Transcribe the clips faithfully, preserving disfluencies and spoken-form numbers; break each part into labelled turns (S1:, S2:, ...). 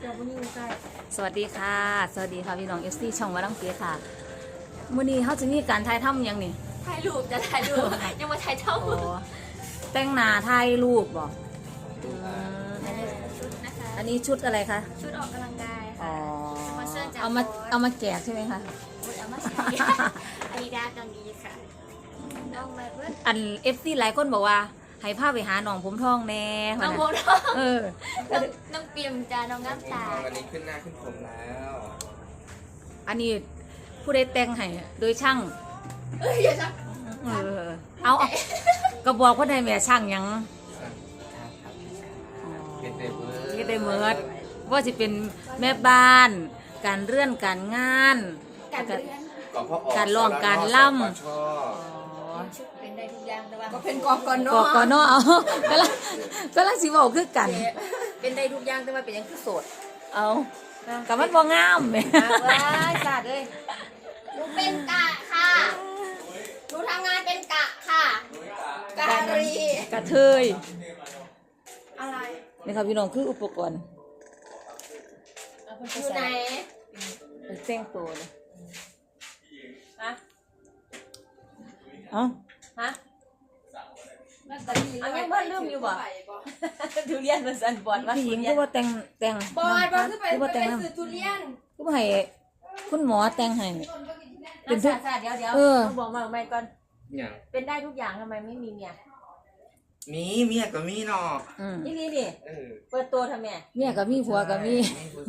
S1: จ้าผู้หญิงใส่
S2: สวัสดีค่ะสวัสดีค่ะพี่น้องเอฟซีช่องวัดลังเกียค่ะมื้อนี้เขาจะมีการถ่ายทำยังนี่
S1: ถ่ายรูปจะถ่ายรูปยังมาถ่ายเท่า
S2: โอ้แต่งหน้าถ่ายรูปบ่
S1: ชุดนะคะ
S2: อันนี้ชุดอะไรคะ
S1: ชุดออกกำลังกาย
S2: อ๋อ
S1: ค่ะ
S2: เอามาเอามาแจกใช่ไหมคะ
S1: เอามาใส่อาดิดาสกังดีค่ะน้องมาเพื่อน
S2: อันเอฟซีหลายคนบอกว่าให้พาไปหาน้องผมทองแน่
S1: น้องผมทอง
S2: เออ
S1: น้องเปียมจ้าน้องน้ำตา
S3: วันนี้ขึ้นหน้าขึ้นผมแล้ว
S2: อันนี้ผู้ใดแต่งให้โดยช่าง
S1: เอ้ยอย่าชัก
S2: เออเอาก็บอกว่าได้แม่ช่างยัง
S3: เฮ็ดได้เบิด
S2: เฮ็ดได้เมิดว่าจะเป็นแม่บ้านการเรื่อนการงาน
S1: การเรียน
S2: การร้องการล่ำ
S1: เป็นได้ทุกอย่างแต่ว่า
S4: ก็เป็นกอกอนเนาะ
S2: กอกอนเนาะเอาก็ละก็ละสิบอกคือกัน
S4: เป็นได้ทุกอย่างแต่ว่าเป็นยังคือโสด
S2: เอากับมันบ่งามแม่
S4: ว้ายสาดเลย
S1: หนูเป็นกะค่ะหนูทำงานเป็นกะค่ะ
S4: การี
S2: กระเทย
S1: อะไร
S2: นี่ครับพี่น้องคืออุปกรณ์
S1: อยู่ไหน
S2: แต่งตัวเลย
S4: ฮะ
S2: เอ้า
S4: ฮะเอายังบ้านลืมอยู่บ่ทุเรียนมันสั่นบอดว่า
S2: ผู้หญิงก็ว่าแต่งแต่ง
S1: บอดบอดคือไปไปซื้อทุเรียน
S2: ก็ให้คุณหมอแต่งให้
S4: เป็นทุกเดี๋ยวเดี๋ยวต้องบอกมาใหม่ก่อนเป็นได้ทุกอย่างทำไมไม่มีเมีย
S3: มีเมียก็มีเนาะ
S4: นี่นี่นี่เปิดตัวทำไม
S2: เมียก็มีผัวก็มี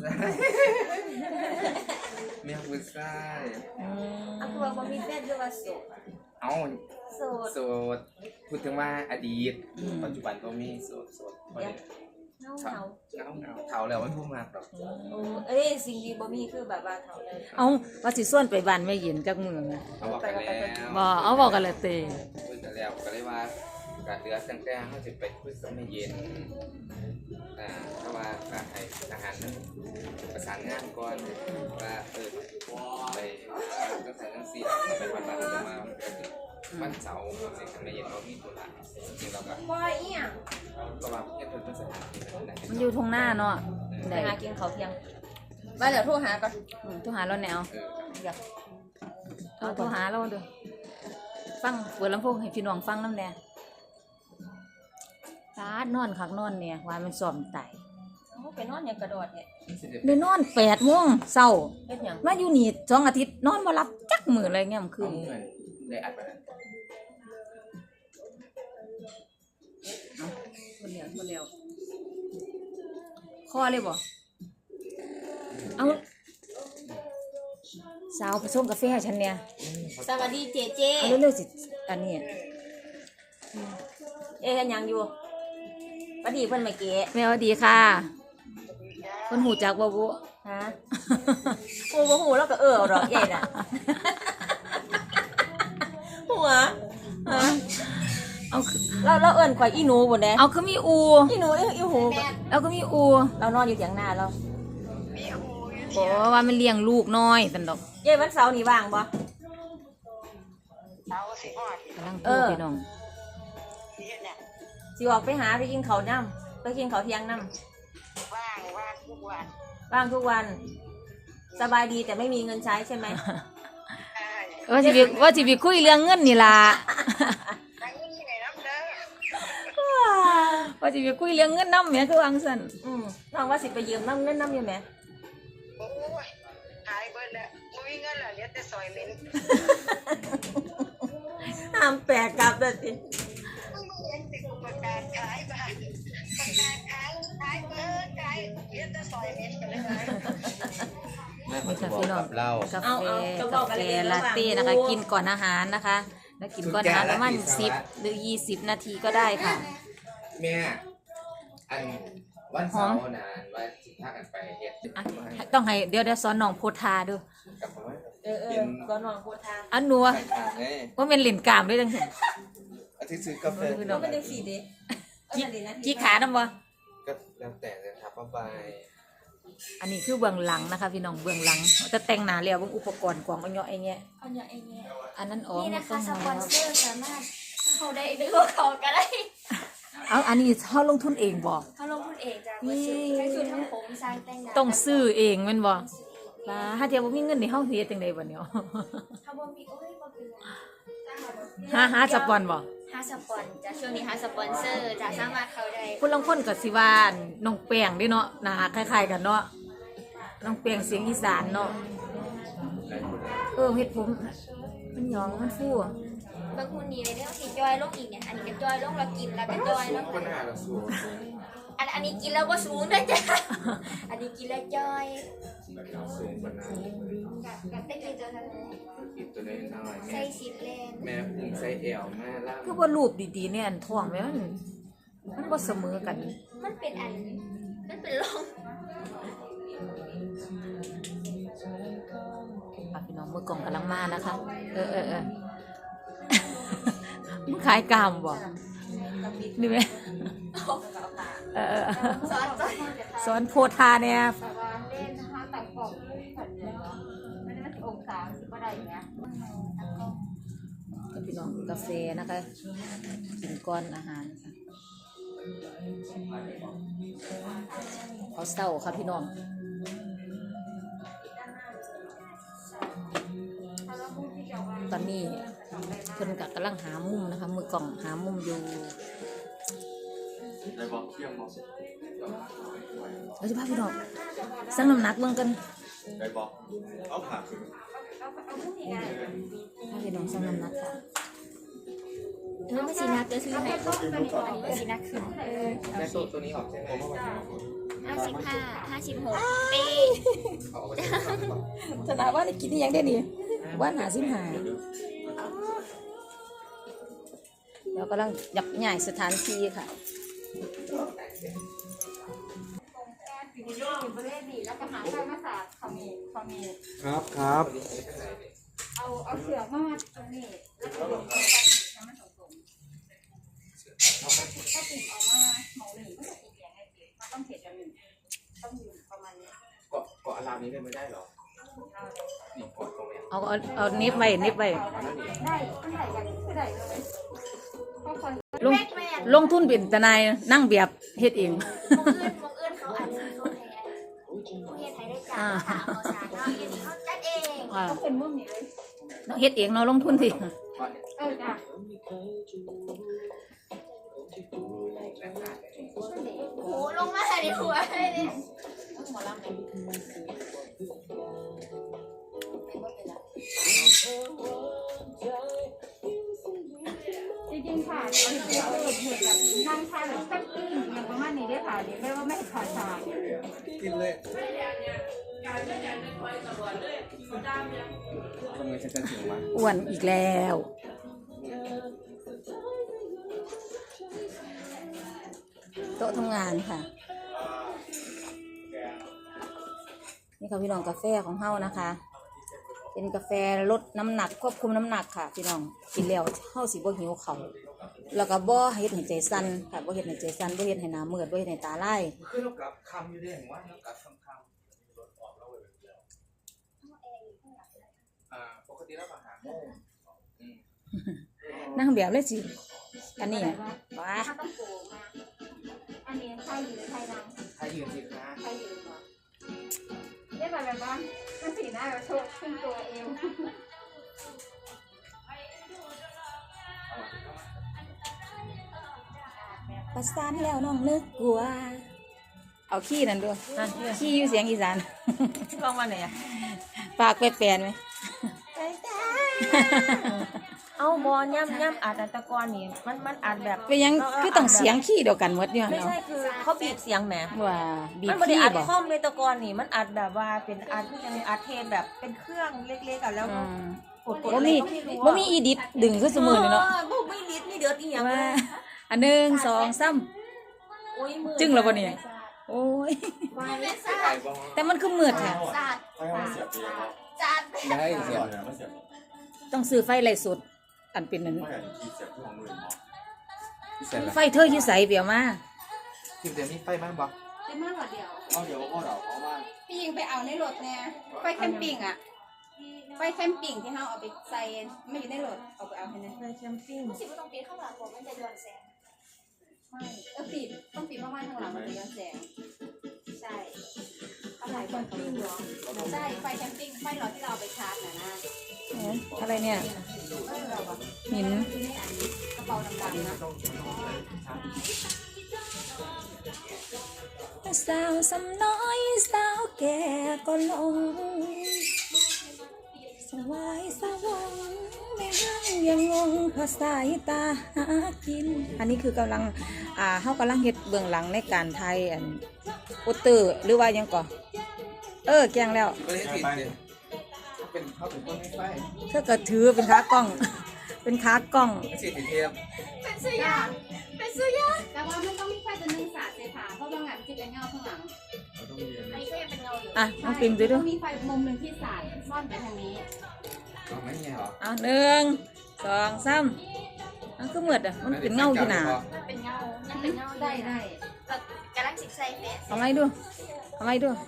S3: เมียผู้ชาย
S4: อันตัวบ่มีแฟนด้วยว่าโสด
S3: เอา
S4: โสด
S3: โสดพูดถึงว่าอดีตปัจจุบันก็มีโสดโสด
S4: เงาเงา
S3: เงาเงาเฒ่าแล้วมันพูดมากหรอก
S4: โอ้เอ้ยสิ่งดีบ่มีคือแบบว่าเฒ่าเลย
S2: เอาว่าสิส่วนไปบ้านแม่เย็นจักมื้อนะ
S3: เอาบอกกันแล้ว
S2: บ่เอาบอกกันแล้วเต
S3: คุยกันแล้วก็เลยว่าการเดือดตั้งแต่เขาจะไปคุยกับแม่เย็นอ่าเพราะว่าการให้อาหารนั้นประสานงานก่อนว่าเออไปตั้งแต่ตั้งสี่ไปวันวันจะมาวันเสาร์สิ่งที่แม่เย็นเรามีตัวละจริงเราก็
S1: ว่าอีหยัง
S3: ก็ว่าเพื่อนเพื่อนสถานที่ไหน
S2: มันอยู่ตรงหน้าเนาะ
S4: ไปหากินเขาเที่ยงมาเดี๋ยวโทรหาก่อน
S2: โทรหาเราแนวอยากเอาโทรหาเราดูฟังเปิดลำโพงให้พี่น้องฟังน้ำแน่ตานอนคักนอนเนี่ยว่ามันซ้อมไต
S4: ไปนอนอย่างกระโดดเนี่ย
S2: ได้นอนแปดโมงเช้ามาอยู่นี่สองอาทิตย์นอนบ่หลับจักมื้ออะไรเงี้ยมันคือ
S3: ได้อัดไป
S2: คนเดียวคนเดียวคอเลยบ่เอาสาวผสมกาแฟให้ฉันเนี่ย
S4: สวัสดีเจเจ
S2: เอาเร็วๆสิอันนี้
S4: เอ๊ะยังอยู่สวัสดีเพิ่นมาเก๋
S2: แม่สวัสดีค่ะเพิ่นหูจักบ่บุ
S4: ฮะกูบ่ฮู้แล้วก็เออดอกใหญ่น่ะหัวฮะ
S2: เอา
S4: เราเราเอิ้นข่อยอีหนูบ่แน่
S2: เอาคือมีอู
S4: อีหนูอีหู
S2: แล้วก็มีอู
S4: เรานอนอยู่เถียงนาเรา
S2: โอ้ว่ามันเลี้ยงลูกน้อยซั่นดอก
S4: เย้วันเสาร์นี่ว่างบ่
S3: เสาร์สิฮอด
S2: กำลังพูดพี่น้อง
S4: สิออกไปหาไปกินข้าวน้ำไปกินข้าวเที่ยงน้
S3: ำว่างว่างทุกวัน
S4: ว่างทุกวันสบายดีแต่ไม่มีเงินใช้ใช่ไหม
S2: ว่าสิว่าสิคุยเรื่องเงินนี่ล่ะว่าสิคุยเรื่องเงินน้ำแม่คือวางสั่น
S4: อืมน้องว่าสิไปยืมน้ำเงินน้ำอยู่ไหม
S3: โอ้ยหายเบิดแล้วมึงมีเงินเหรอเหลือแต่ซอยเหม็น
S4: ห้ามแปลกกลับเลยสิ
S3: ประกาศขายบ้านประกาศขายขายเบิดขายเรียนจะซอยเม็ดกันเลยแม่ขอบอกกับเรา
S2: กาแฟกาแฟลาเต้นะคะกินก่อนอาหารนะคะแล้วกินก่อนอาหารประมาณสิบหรือยี่สิบนาทีก็ได้ค่ะ
S3: แม่อันวันเสาร์นานว่าสิพากันไปเฮ็ด
S2: ต้องให้เดี๋ยวเดี๋ยวสอนน้องโพธาดู
S4: เออเออสอนน้องโพธา
S2: อันนัวว่าเป็นหลินกามด้วยจัง
S3: อาทิตย์ซื้อกาแฟ
S4: ก็ไม่ได้สีเด็ก
S2: กี่ขาน้ำบ่
S3: ก็แล้วแต่เลยครับป้าใบ
S2: อันนี้คือเบื้องหลังนะคะพี่น้องเบื้องหลังจะแต่งหน้าแล้วเบื้องอุปกรณ์กล่องอ้อยไอ้เงี้ย
S1: อ้อยไอ้เงี้ย
S2: อันนั้นอ๋อ
S1: นี่นะคะสปอนเซอร์สามารถเขาได้หรือเขาก็ได้
S2: เอาอันนี้เขาลงทุนเองบ่
S1: เขาลงทุนเองจ้ะใช้ชุดทั้งผมสร้างแต่งหน้า
S2: ต้องซื้อเองแม่นบ่ล่ะถ้าเทียบบ่มีเงินนี่เฮาเฮ็ดจังได๋บัดเนี้ย
S1: ถ้าบ่มีโอ้ยบ่เป็นไร
S2: หาหาสปอนบ่
S1: หาสปอนจะช่วงนี้หาสปอนเซอร์จะสามารถเข้าได้
S2: คนลางคนก็สิว่าน้องแป้งเด้เนาะหน้าคล้ายๆกันเนาะน้องแป้งเสียงอีสานเนาะเออเฮ็ดผมมันหยองมันฟู
S1: บางคนนี่เลยเด้อที่จอยลงอีกเนี่ยอันนี้ก็จอยลงแล้วกินแล้วก็จอยลง
S3: คนหน้าเราสูง
S1: อันอันนี้กินแล้วก็สูงด้วยจ้ะ อันนี้กินแล้วจอย
S3: สูงคนหน้า
S1: กับได้กินตัวเท่านั้น
S3: กินตัวน้อยๆ
S1: ใส่
S3: แม่
S1: สิบเลน
S3: แม่พุงใส่แอวแม่ล่าง
S2: คือว่ารูปดีๆเนี่ยอันท้องแม่มันมันบ่เสมอกัน
S1: มันเป็นอันมันเป็นร่อง
S2: อ่ะพี่น้องมือกล่องกำลังมานะคะ เออเออเออ มึงขายกามบ่นี่ไหมเออเออ
S1: ซอสจอย
S2: สอนโพธาเนี่ย
S4: แต่ว่าเล่นนะคะต่างกล่องผัดเนี่ยไม่ได้องศาสิบอะไรอย่างเงี้ย
S2: กับพี่น้องกาแฟนะคะกินก้อนอาหารค่ะเขาเศร้าค่ะพี่น้องตอนนี้เพิ่นกับกำลังหามุมนะคะ มือกล่องหามุมอยู่
S3: ได้บอกเที่ยงบอก
S2: เราจะพาพี่น้องสั่งน้ำหนักเบิ่งกัน
S3: ได้บอกเอาผ่าคือ
S2: พาพี่น้องสั่งน้ำหนักค่ะ
S1: เออไม่สีนักเดี๋ยวซื้อให้อันนี้ไม่สีนักขึ้นเออ
S3: แม่ตัวตัวนี้ออกใช่ไหม
S1: ห้าสิบห้าห้าสิบหกปี
S3: เอาไป
S2: ธนาว่าได้กินนี่ยังได้นี่ว่าหาสิบหาเรากำลังยับใหญ่สถานที่ค่ะ
S4: อยู่ประเทศนี้แล้วก็หาใช้มาสาดขมิ้นขมิ้น
S5: ครับครับ
S4: เอาเอาเสือมาตรงนี้แล้วก็ลงไปให้มันตรงๆถ้าติดออกมาหมองหนีก็จะติดอย่างไรติดมันต้องเผ็ดอย่างหนึ่งต้องอยู่ประมาณนี้
S3: เกาะเกาะอารามนี้เลยไม่ได้หรอนี่เกาะตรงนี้
S2: เอาเอาเอาเน็บไว้เน็บไว้
S4: ได้ตั้งแต่อย่างนี้คือได้เลยค่อย
S2: ลงลงทุนเป็นทนายนั่งแบบเฮ็ดเอง
S1: มองเอื้อนมองเอื้อนเขาอันนี้เขาแทนผู้เฮ็ดไทยได้จ้าถามเขาสารเนาะอันนี้เขาจัดเอง
S2: อ่า
S4: ๆต้องเป็นมุมนี้เลย
S2: เนาะเฮ็ดเองเนาะลงทุนสิ
S4: เออจ้ะ
S1: โหลงมาดิหัวเลยเนี่ย
S4: จริงๆค่ะเอาที่เกิดเหตุแบบนั่งทานแบบตั้งติ้งอย่างประมาณนี้ได้ค่ะนี่ไม่ว่าไม่ขาดสาย
S5: กินเลย
S3: ทำไงฉันจะถึงมา
S2: อ้วนอีกแล้วโต๊ะทำงานค่ะนี่ค่ะพี่น้องกาแฟของเฮานะคะ เป็นกาแฟลดน้ำหนักควบคุมน้ำหนักค่ะ พี่น้องกินแล้วเฮาสิบ่หิวเขาวแล้วก็บ่เฮ็ดให้ใจสั่นค่ะบ่เฮ็ดให้ใจสั่นบ่เฮ็ดให้หน้ามืดบ่เฮ็ดให้ตาลาย
S3: คือเรากลับคำอยู่ได้เห็นว่าเรากลับคำคำอ่าปกติเราอาหารโม่อืม
S2: นั่งแบบเลยสิอันนี้ว้า
S4: ถ้าต้องโกงมาอันนี้ไทยหรือไทยนัง
S3: ถ้ายืนสิคะ
S4: ไทยหรือเหรอเรียกแบบว่าเป็นสีหน้าแบบโชว์ขึ้นตัวเอง
S2: ประสานแล้วน้องนึกกลัวเอาขี้นั่นด้วยขี้อยู่เสียงอีสาน
S4: ลองมาไหนอ่ะ
S2: ปากแปลนๆไหม
S4: เอาบอลย่ำย่ำอัดอัตะกรนี่มันมันอัดแบบ
S2: เป็นยังคือต้องเสียงขี้เดียวกันหมดเนี่ย
S4: ไม่
S2: เนาะ
S4: ใช่คือเขาบีบเสียงแหม
S2: ว่าบี
S4: มั
S2: บ
S4: นไม่ได้
S2: ขี้
S4: อัด
S2: บ่
S4: คอมในตะกอนนี่มันอัดแบบว่าเป็นอัดยังอัดเทปแบบเป็นเครื่องเล็กๆอ่ะแล้ว
S2: อืม
S4: กดกด
S2: บ่
S4: อะไร
S2: มี
S4: ก็ไม่รู้
S2: บ่มีอีดิทดึงขึ้นสมือเลยเนาะ
S4: บ่ไม่ลิดไม่เดือดอีหยังเล
S2: ว่าย อันหนึ่งสองสาม
S4: โอ้ยมือ
S2: จึ้งแล้วบ่เนี่ยโอ้ย
S1: เป็นศา
S3: ไก่
S1: สตร์
S3: บ้อง
S2: แต่มันคือมืดค่ะ
S1: ศาสตร์
S5: ให้เขาเสียบเองครับ
S1: จัด
S3: ได้เสีย
S5: ไม่เสียบ
S2: ต้องซื้อไฟไล่สดอันเป็นนั้น
S5: ไม่เห็นที่เสียบที่ของมือเนาะ
S3: เสร็จแล้ว
S2: ไฟเธออยู่ใสเปียวมา
S3: คิมเดี๋ยวนี้ไฟบ้างบอก
S4: ได้มากกว่าเดียว
S5: เอาเดี๋ยวพ่อเราเพราะว่า
S4: พี่ยิงไปเอาในรถแน่ไปแคมปิ้งอ่ะไปแคมปิ้งที่เฮาเอาไปใส่ไม่อยู่ในรถเอาไปเอาให้แน่ไปแคมปิ้ง
S1: สิบต้องปีข้างหลังผมมันจะย้อนแสง
S4: ไม่เออปิดต้องปิดมากๆข้างหลังมันจะย้อนแสง
S1: ใช่
S4: แคมปิ้งเหรอใช่ไฟแคมปิ้งไฟหลอดที่เราเอาไปชาร์จน่ะนะ
S2: เอ๊ะอะไรเนี่ย
S4: เออเราอะ
S2: หิน
S4: อยู่ในอันกระเป๋าดำๆนะ
S2: สาวสำน้อยสาวแก่ก็ลงสวายสวงไม่ห้างยังงงเพราะสายตาหากิน อันนี้คือกำลังอ่าเฮากำลังเฮ็ดเบื้องหลังในการไทยอันโปสเตอร์หรือว่าหยังก่อเออแกงแล้ว
S3: ก็เลยติดเนี่ยเป็นเขาเป็นคนไม่ไฟ
S2: เธอก็ถือเป็นขากล้อง เป็นขากล้อง
S3: ไม่ใช่ติดเทียม
S1: เป็นสุยางเป็นสุยาง
S4: แต่ว่ามันต้องมีไฟตัวหนึงสาดเสียผาเพราะบางงานมันจะเป็นเงาข้างหลัง
S1: ไอ้ก็ยังเป็นเงาอยู่
S2: อ่ะน้องปิงดูดู
S4: ต้องมีไฟมุมหนึ่งที่สาดซ่อนไปทางนี้
S3: เอาไม่เงี้ยเหรอ
S2: อ่ะหนึ่งสองสามอ่ะคือเหมือดอ่ะมันเป็นเงาอยู่หนา
S1: มันเป็นเงายังเป็นเงาอยู่
S4: ได้ได้
S1: เรากำลังสิใส่แฟส
S2: เอาไม้ดูเอาไม้ดู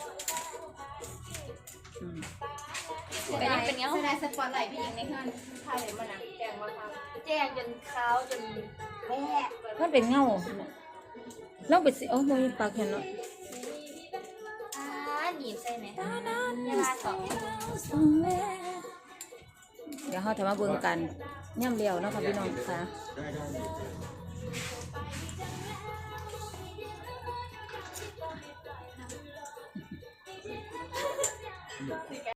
S2: อืม
S1: แต่ยังเป็นเงา
S4: แสดงสปอตไลท์พี่หญิงในเพื่อนพาเลยมาหนังแกงมาทำ
S1: แจ้งจนขาวจนแม่
S2: มันเป็นเงาเราไปสิโอ้โมยปากเห็นเนาะ
S1: อ่าหนีบใส่ไหมเวลาสอง
S2: เดี๋ยวเขาจะมาเบิ่งกันย่ำเลียวเนาะค่ะพี่น้องค่ะ
S5: ได้ได้